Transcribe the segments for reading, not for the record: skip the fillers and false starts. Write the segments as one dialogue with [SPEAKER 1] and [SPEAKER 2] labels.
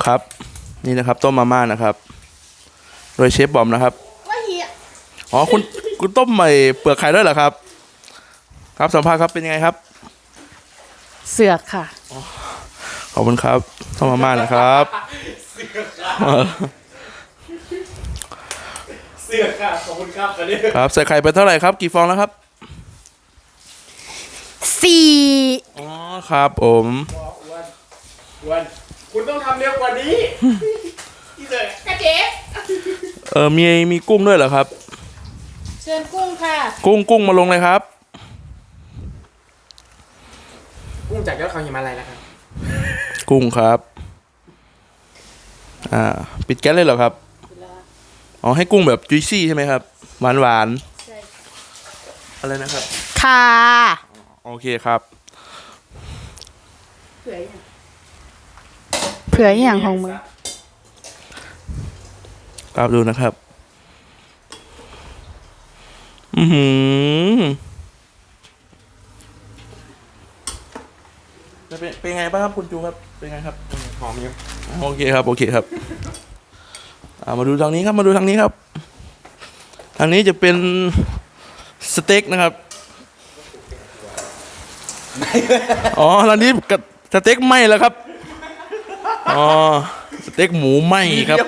[SPEAKER 1] ครับนี่นะครับต้มมาม่านะครับโดยเชฟบอมนะครับอ๋อคุณต้มใหม่เปลือกไข่ด้วยเหรอครับครับสัมภาษณ์ครับเป็นยังไงครับ
[SPEAKER 2] เสือกค่ะ
[SPEAKER 1] ขอบคุณครับต้มมาม่านะครับ
[SPEAKER 3] เสือกค่ะขอบคุณครับกันนี้
[SPEAKER 1] ครับใส่ไข่ไปเท่าไหร่ครับกี่ฟองแล้วครับ
[SPEAKER 2] 4
[SPEAKER 1] อ๋อครับผม
[SPEAKER 3] วันคุณต้องทำเร็วกว่านี้ที่เลยกระเจ๊
[SPEAKER 1] มีกุ้งด้วยเหรอครับ
[SPEAKER 2] เชิญกุ้งค่ะ
[SPEAKER 1] กุ้งมาลงเลยครับ
[SPEAKER 3] กุ้งจากยอดเขาหิมาลัยนะครับ
[SPEAKER 1] กุ้งครับปิดแก๊สเลยเหรอครับอ๋อให้กุ้งแบบจุยซี่ใช่ไหมครับหวาน
[SPEAKER 2] ใช่
[SPEAKER 1] อะไรนะครับ
[SPEAKER 2] ค่ะ
[SPEAKER 1] โอเคครับ
[SPEAKER 2] เผื่ออย่างของมึง
[SPEAKER 1] ครับดูนะครับเป็นไงบ้างครับคุณจูครับเป็นไงครับ
[SPEAKER 3] หอมอยู่
[SPEAKER 1] โอเคครับมาดูทางนี้ครับทางนี้จะเป็นสเต็กนะครับอ๋อทางนี้กับสเต็กไหม้แล้วครับอ๋อสเต็กหมูไหม้ครับ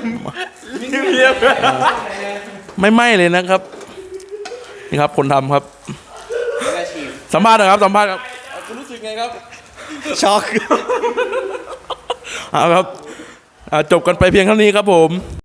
[SPEAKER 1] ไม่ไหม้เลยนะครับนี่ครับคนทำครับสัมภาษณ์นะครับคุณรู้สึกไงครับ
[SPEAKER 3] ช็อก
[SPEAKER 1] เอาครับจบกันไปเพียงเท่านี้ครับผม